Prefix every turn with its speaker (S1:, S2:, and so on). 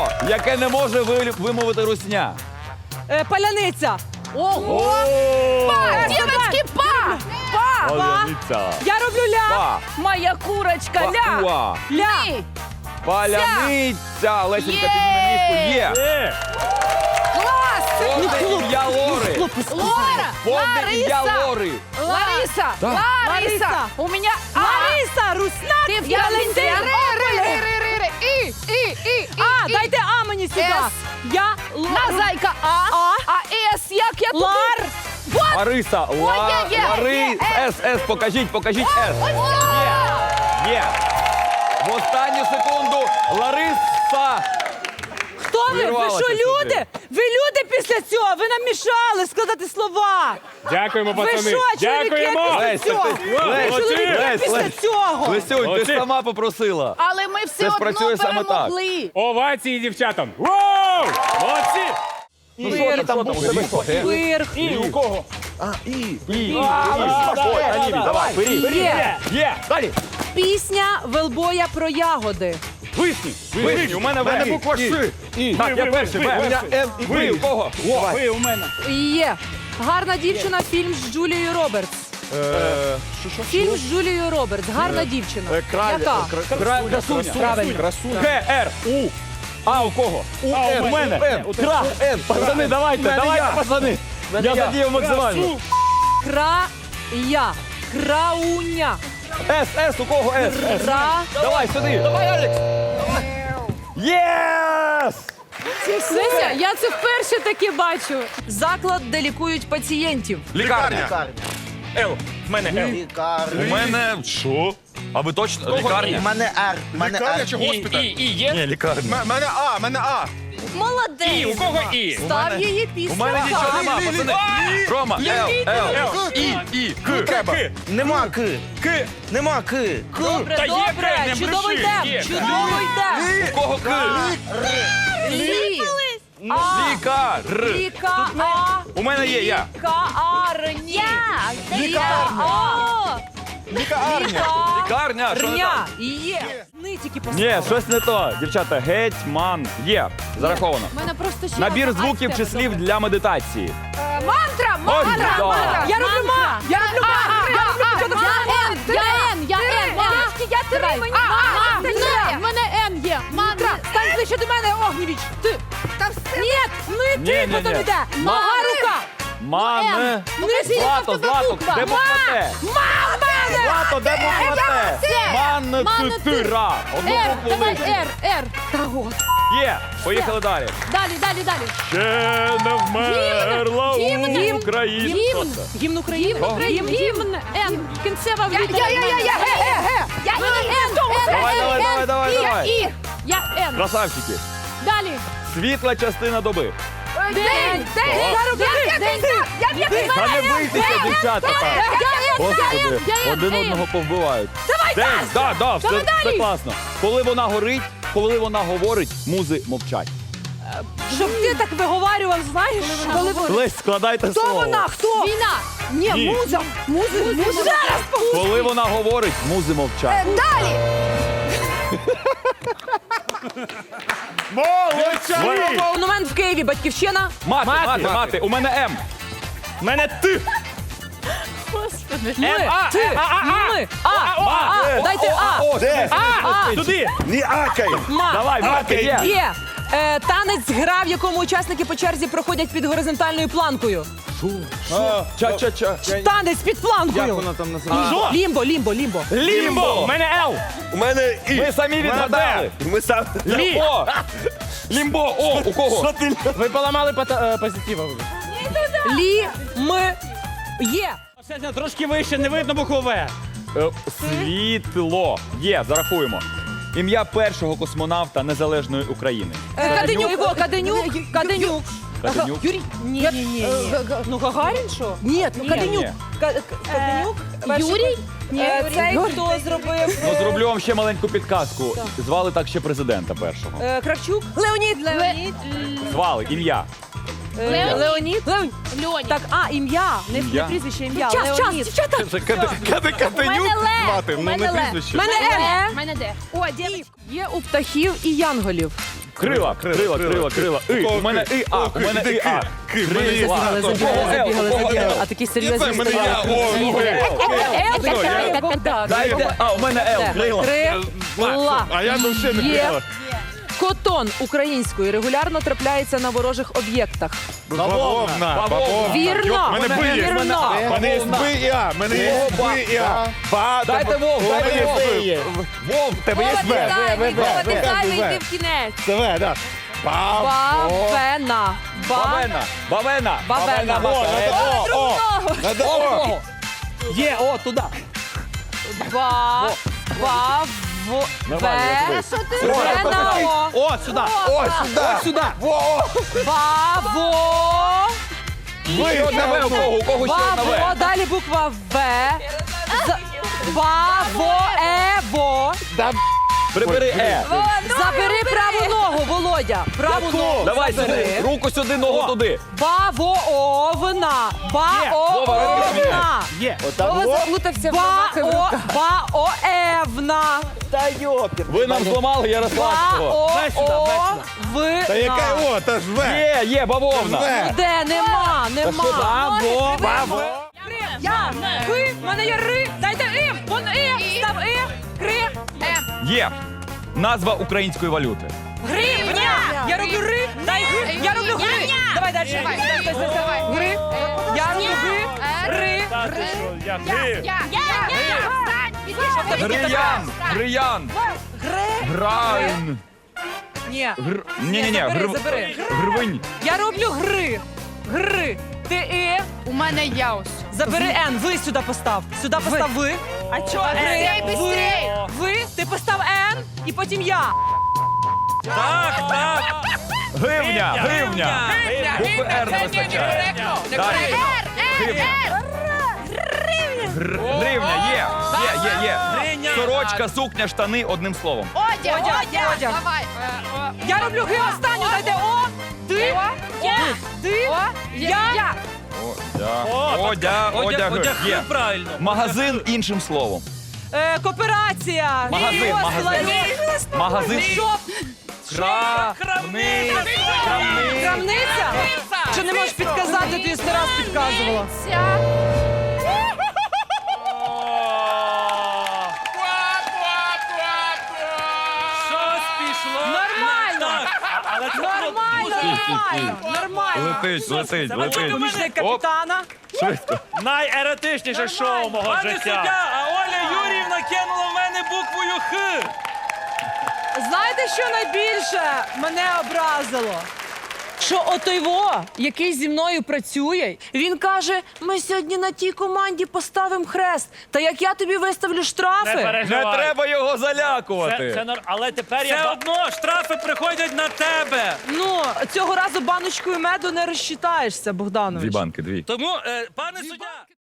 S1: Слово, яке не може вимовити русня.
S2: Паляниця.
S3: Ого! Па! Дівочки, па! Па!
S1: Паляниця.
S2: Я роблю ля.
S1: Па.
S3: Моя курочка, ля!
S1: Па.
S2: Ля.
S3: Ні!
S1: Паляниця. Лесенька, підніми міску. Є.
S3: Клас!
S1: Повне ім'я Лори.
S3: Лора!
S1: Повне ім'я
S3: Лариса!
S1: Лори.
S3: Лариса!
S1: Так.
S3: Лариса! У мене
S2: Лариса, Русна.
S3: Ти в
S2: я
S3: Ялинці.
S2: Валентин.
S3: І.
S2: А, дайте А мені сюди.
S3: С.
S2: Я
S3: На зайка А. А С як я тут?
S2: Лар.
S1: Лариса.
S3: є,
S1: Лари. С. Покажіть С. Є. В останню секунду Лариса.
S2: Хто ви? Ви
S1: Вирвалася
S2: що,
S1: сюди.
S2: люди? Ви люди після цього? Ви нам мішали складати слова.
S4: Дякуємо,
S2: Ви
S4: пацани.
S2: що, чоловіки,
S4: Дякуємо.
S2: після цього?
S4: Молодці.
S2: Чоловіки після цього.
S1: Лесюнь, ти
S4: Молодці.
S1: ж сама попросила.
S3: Але ми
S1: Це
S3: все одно
S1: спрацює саме так.
S3: перемогли.
S4: Овації дівчатам. Воу! Молодці.
S1: Ну що ти там у тебе?
S2: Вирх.
S4: І у кого?
S1: Давай, вперед.
S2: Є.
S1: Є. Далі.
S2: Пісня Велбоя про ягоди.
S1: Вишні. У мене В.
S4: буква Ш.
S1: Так, я перший. В. У мене Н і Ви. У кого?
S4: Ви у мене.
S2: Є. Гарна дівчина. Фільм з Джулією Робертс. Фільм з Джулією Робертс. Гарна дівчина. Яка?
S1: Красуня.
S2: Правильно.
S1: Г, Р, У. А у кого? У мене. Кра. Пацани, давайте, пацани. Я задію максимально.
S2: Края. Крауня.
S1: С, у кого С?
S2: Кра.
S1: Давай сюди. Давай, Алекс. Єс!
S2: Леся, я це вперше таке бачу. Заклад, де лікують пацієнтів.
S1: Лікарня.
S4: Л. В мене Л.
S1: У мене що? А ви точно? Лікарня?
S5: мене Р.
S6: Лікарня чи госпіталь?
S4: І є.
S1: Ні, лікарня.
S6: Мене А.
S2: Молодець.
S4: І у кого І?
S2: Став її пісню.
S1: У мене нічого нема, пацани. Рома, Л, І, К.
S6: Треба.
S5: Нема К.
S4: К.
S5: Нема К.
S2: Добре,
S4: Та є
S2: добре.
S4: К, не
S2: Чудово
S4: бреши.
S2: йде.
S4: Є.
S2: Чудово йде.
S1: У кого К?
S2: Лі.
S1: Лікар.
S2: Ліка. А.
S1: У мене є я.
S2: Лікарні. Лікарня.
S1: Лікарня. Що не так?
S2: Є. Нитики
S1: Ні, щось не то. Дівчата, гетьман. Є. Зараховано.
S3: У мене просто ще
S1: Набір
S3: одна
S1: звуків
S3: А
S1: чи
S3: в тебе,
S1: слів
S3: добре.
S1: для медитації.
S3: Мантра!
S1: Ось
S3: Мантра!
S1: так.
S3: Мантра!
S2: Я роблю ма. Я роблю ма. Я роблю початок.
S3: Я Н! Я три! Мені в мене Н є! Мантра!
S2: Стань ближче до мене, Огнєвіч. Ти.
S3: Та все!
S2: Ні, ти
S1: Ні.
S2: потім йде. Нога, рука.
S1: Мане.
S2: Нижче.
S1: Злато, де буква Т? Злато, де буква Т? Манетира. Одну
S3: Р!
S1: букву
S3: Давай
S1: вийшли.
S3: Р! Та от!
S1: Є. Поїхали далі.
S3: Далі!
S1: Ще не вмерла
S3: Гімн.
S1: Україна.
S3: Гімн!
S2: Гімн України.
S3: Гімн! Н! Кінцева літера! Я
S1: Давай.
S3: Я Н!
S1: Красавчики.
S3: Далі!
S1: Світла частина доби.
S3: День!
S1: Та не бийтеся, дівчата. Господи, один одного повбивають. День, да, все класно. Коли вона горить, коли вона говорить, музи мовчать.
S2: Щоб ти так виговарював, знаєш? Коли вона...
S1: Лесь, складайте
S2: Хто
S1: слово.
S2: вона? Хто?
S3: Війна!
S2: Ні,
S1: Ні.
S2: муза. Муза. Зараз.
S1: Коли вона говорить, музи мовчать.
S3: Далі!
S2: Монумент в Києві, Батьківщина.
S1: Мати. У мене М.
S4: В мене Т.
S2: Ми.
S4: А,
S2: Ти. Ми. А. Дайте А.
S1: Де?
S2: А.
S4: Туди.
S5: Ні акай.
S2: Ма.
S1: Давай, мати, є.
S2: Є. Танець гра, в якому учасники по черзі проходять під горизонтальною планкою.
S1: Ча-ча-ча.
S2: Танець під планкою.
S5: там називається?
S4: Що?
S2: Лімбо.
S4: Лімбо. В мене Л.
S5: У мене І.
S1: Ми самі відгадали.
S5: Ми сам.
S4: Лі.
S1: О. Лімбо. О, у кого?
S4: Ви поламали позитива.
S2: Є.
S4: Трошки вище, не видно букву В.
S1: Світло. Є, зарахуємо. Ім'я першого космонавта Незалежної України.
S2: Каденюк. Каденюк.
S1: Каденюк.
S2: Юрій. Ні. Ну Гагарін що? Ні, Каденюк.
S1: Ні.
S2: Каденюк.
S3: Юрій?
S2: Цей, хто зробив?
S1: Ну, зроблю вам ще маленьку підказку. Звали так ще президента першого.
S2: Кравчук. Леонід.
S1: Звали, ім'я.
S2: Леонід.
S3: Льоні.
S2: Так, ім'я. Не
S1: Ім'я.
S2: прізвище, ім'я.
S3: Час,
S2: Леонід.
S3: дівчата.
S6: Каденюк мати, ну не
S2: Мене
S6: прізвище.
S2: Мене Р.
S3: Мене де? О, дівчатки.
S2: Є у птахів і янголів.
S1: Крила. І. У мене і, а. У мене і, а.
S2: Забігали, забігали. А такі серйозні
S6: У мене я.
S2: Богдан.
S1: Дайте, а, у мене Л. Крила.
S2: Крила.
S5: А я ну ще не
S2: Є.
S5: крила.
S2: Котон українською регулярно трапляється на ворожих об'єктах.
S5: Бавовна.
S2: Вірно.
S5: Мене Б є.
S2: Вірно.
S5: Мене є Б і А. Мене є Б і А.
S1: Дайте Вов, дайте Вов.
S5: Вов, тебе є В.
S3: Ти зайвий, йди в кінець.
S5: Це В, так.
S2: Бавена.
S1: Бавена.
S2: Бавена.
S5: Надо О.
S4: Є, о, туди.
S2: Вена.
S4: О, сюди.
S5: О, сюди.
S4: Сюди.
S2: Баво.
S1: Ще одне В, у кого ще одне
S2: Баво.
S1: В?
S2: Далі буква В. Баво.
S1: Прибери Е.
S2: Забери праву ногу, Володя. Праву ногу.
S1: Давай
S2: забери.
S1: сюди, руку сюди, ногу туди.
S2: Бавовна. Баовна.
S4: Є.
S3: Вова заплутався в ногах.
S2: Баоевна.
S1: Ви нам зламали Ярославського.
S5: Та яка
S2: Баовна.
S5: О, та ж В.
S1: Є, бавовна.
S5: В.
S2: Де? Нема.
S5: Баво.
S2: Я. Ви. В мене є ри. Дайте им. Вон і. Став і. Кри.
S1: Є. Назва української валюти.
S2: Гривня. Я роблю ри. Дай гри. Я роблю гри. Давай далі. Гри. Я роблю гри. Ри.
S1: Гриян. Грайн.
S2: Ні.
S1: Ні.
S2: Забери.
S1: Гривень.
S2: Я роблю гри. Гри. Ти і.
S3: У мене яус.
S2: Забери Н. Ви сюди постав. Сюди постав ви. А чого
S3: Быстрей,
S2: ви?
S3: быстрей.
S2: Ви. Ти постав Н. І потім я.
S1: Гривня. Букви Р не вистачає. Далі. Гривня. Є. Сорочка, сукня, штани, одним словом.
S3: Одяг.
S2: Одяг.
S3: Давай.
S2: Я роблю ги останню. Дайте О. Ти. Ти. Я.
S1: Одяг. Є.
S4: Правильно.
S1: Магазин іншим словом.
S2: Кооперація.
S1: Магазин. Магазин.
S2: Шоп. Крамниця? Чи не можеш підказати, ти 100 раз підказувала?
S4: Щось пішло.
S2: Нормально.
S4: Але це
S2: Нормально.
S1: Летить.
S2: Помічник
S1: Оп,
S2: капітана.
S1: швидко.
S4: найеротичніше шоу мого
S7: Пане суддя, а Оля Юріївна кинула в мене буквою Х.
S2: Знаєте, що найбільше мене образило? Що отойво, який зі мною працює, він каже, ми сьогодні на тій команді поставимо хрест. Та як я тобі виставлю штрафи?
S1: Не треба його залякувати.
S4: Але тепер
S7: Все одно штрафи приходять на тебе.
S2: Ну, цього разу баночкою меду не розчитаєшся, Богданович.
S1: Дві банки, дві.
S7: Тому, пане суддя...